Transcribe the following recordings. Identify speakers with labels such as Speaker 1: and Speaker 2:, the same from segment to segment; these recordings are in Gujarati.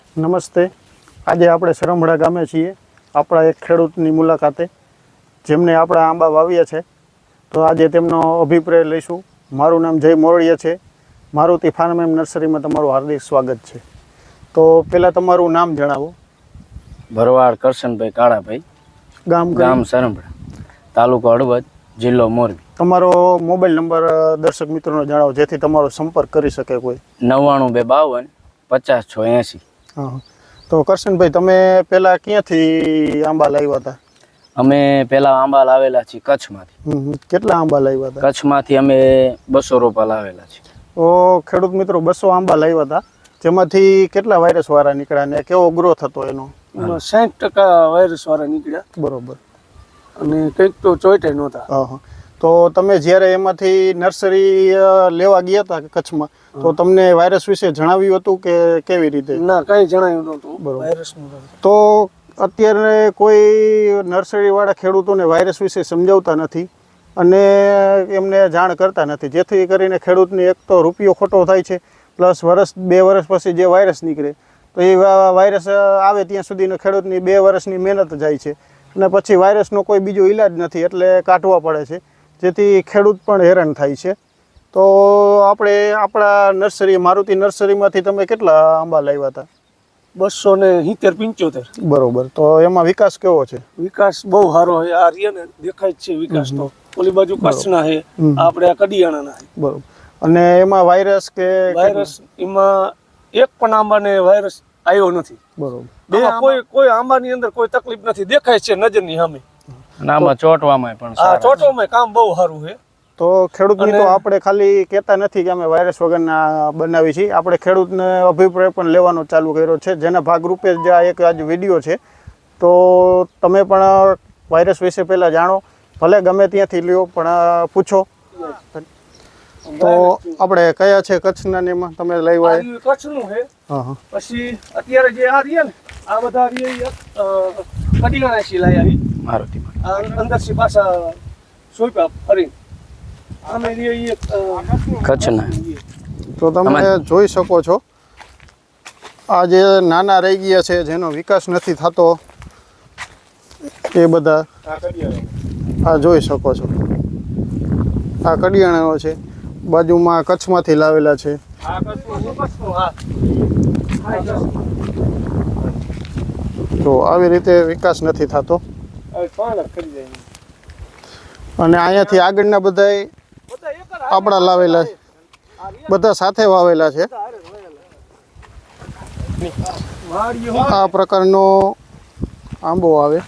Speaker 1: નમસ્તે. આજે આપણે સરંભડા ગામે છીએ, આપણા એક ખેડૂતની મુલાકાતે, જેમને આપણા આંબા વાવ્યા છે. તો આજે તેમનો અભિપ્રાય લઈશું. મારું નામ જય મોરડિયા છે. મારુતિ ફાર્મ એન્ડ નર્સરીમાં તમારું હાર્દિક સ્વાગત છે. તો પહેલાં તમારું નામ જણાવો.
Speaker 2: ભરવાડ કરશનભાઈ કાળાભાઈ, ગામ સરંભડા, તાલુકો હળવદ, જિલ્લો મોરબી. તમારો
Speaker 1: મોબાઈલ નંબર દર્શક મિત્રોને જણાવો, જેથી તમારો સંપર્ક કરી શકે કોઈ.
Speaker 2: 99 52 50 680.
Speaker 1: હા, તો કરશનભાઈ, તમે પહેલાં ક્યાંથી આંબા લાવ્યા હતા?
Speaker 2: અમે પહેલા આંબા લાવેલા છીએ કચ્છમાંથી.
Speaker 1: કેટલા આંબા લાવ્યા હતા?
Speaker 2: કચ્છમાંથી અમે 200 રોપા લાવેલા છે.
Speaker 1: તો ખેડૂત મિત્રો 200 આંબા લાવ્યા હતા, જેમાંથી કેટલા વાયરસ વાળા નીકળ્યા ને કેવો ગ્રોથ હતો એનો?
Speaker 3: 60% વાયરસ વાળા નીકળ્યા.
Speaker 1: બરોબર.
Speaker 3: અને કંઈક તો ચોઈટે નહોતા.
Speaker 1: હા. તો તમે જ્યારે એમાંથી નર્સરી લેવા ગયા હતા કચ્છમાં, તો તમને વાયરસ વિશે જણાવ્યું હતું કે કેવી રીતે?
Speaker 3: ના, કંઈ જણાવ્યું નહોતું.
Speaker 1: બરોબર.
Speaker 3: વાયરસનું
Speaker 1: તો અત્યારે કોઈ નર્સરીવાળા ખેડૂતોને વાયરસ વિશે સમજાવતા નથી અને એમને જાણ કરતા નથી, જેથી કરીને ખેડૂતને એક તો રૂપિયો ખોટો થાય છે, પ્લસ વર્ષ 2 વર્ષ પછી જે વાયરસ નીકળે તો એ વાયરસ આવે ત્યાં સુધીનો ખેડૂતની 2 વર્ષની મહેનત જાય છે અને પછી વાયરસનો કોઈ બીજો ઈલાજ નથી, એટલે કાઢવા પડે છે, જેથી ખેડૂત પણ હેરાન થાય છે. તો આપણે આપણા નર્સરી મારુતિ નર્સરીમાંથી તમે કેટલા આંબા લાવ્યા હતા?
Speaker 3: 270-75.
Speaker 1: બરોબર. તો એમાં વિકાસ કેવો છે?
Speaker 3: વિકાસ બહુ સારો છે. આ રીએ ને દેખાય જ છે વિકાસ. તો ઓલી બાજુ કચ્છના છે, આપણે આ કડિયાણાના છે.
Speaker 1: બરોબર. અને એમાં વાયરસ કે
Speaker 3: વાયરસ એમાં એક પણ આંબાને વાયરસ આવ્યો નથી.
Speaker 1: બરોબર.
Speaker 3: કોઈ આંબાની અંદર કોઈ તકલીફ નથી, દેખાય છે નજરની સામે.
Speaker 2: આમાં ચોટવામાં પણ
Speaker 3: ચોટવામાં કામ બહુ સારું છે.
Speaker 1: તો ખેડૂત મિત્રો આપણે ખાલી કહેતા નથી કે અમે વાયરસ વગરના બનાવી છીએ, આપણે ખેડૂતને અભિપ્રાય પણ લેવાનો ચાલુ કર્યો છે, જેના ભાગરૂપે જ આ એક આજ વિડીયો છે. તો તમે પણ વાયરસ વિશે પહેલાં જાણો, ભલે ગમે ત્યાંથી લ્યો પણ પૂછો. તો આપણે કયા છે કચ્છના ને એમાં તમે લઈ આવ્યા?
Speaker 3: કચ્છનું છે. પછી અત્યારે જે આ રીએ ને આ બધા કડિયાણા સી લાયા છે
Speaker 2: મારુતિ
Speaker 3: અંદરથી પાછા સોયપા ફરી
Speaker 2: કચ્છના.
Speaker 1: તો તમે જોઈ શકો છો, આ જે નાના રહી ગયા છે, જેનો વિકાસ નથી થતો, એ બધા આ જોઈ શકો છો. આ કડિયાણાનો છે, બાજુમાં કચ્છમાંથી લાવેલા છે. તો આવી રીતે વિકાસ નથી થતો. અને અહીંયાથી આગળના બધા આપણા લાવેલા છે, બધા સાથે વાવેલા છે. આ પ્રકારનો આંબો આવે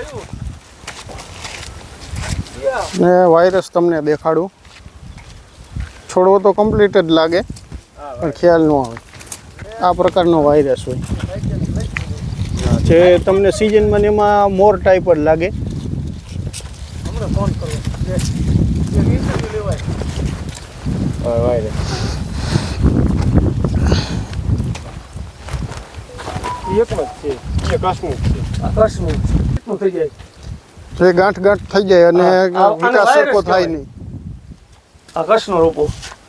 Speaker 1: ને વાયરસ તમને દેખાડું. છોડવો તો કમ્પ્લીટ જ લાગે પણ ખ્યાલ ન આવે. આ પ્રકારનો વાયરસ હોય જે તમને સિઝનમાં એમાં મોર ટાઈપ જ લાગે. જે ગાંઠ થઈ જાય અને વિકાસ સરખો થાય નહીં.
Speaker 3: આકાશનો રોપો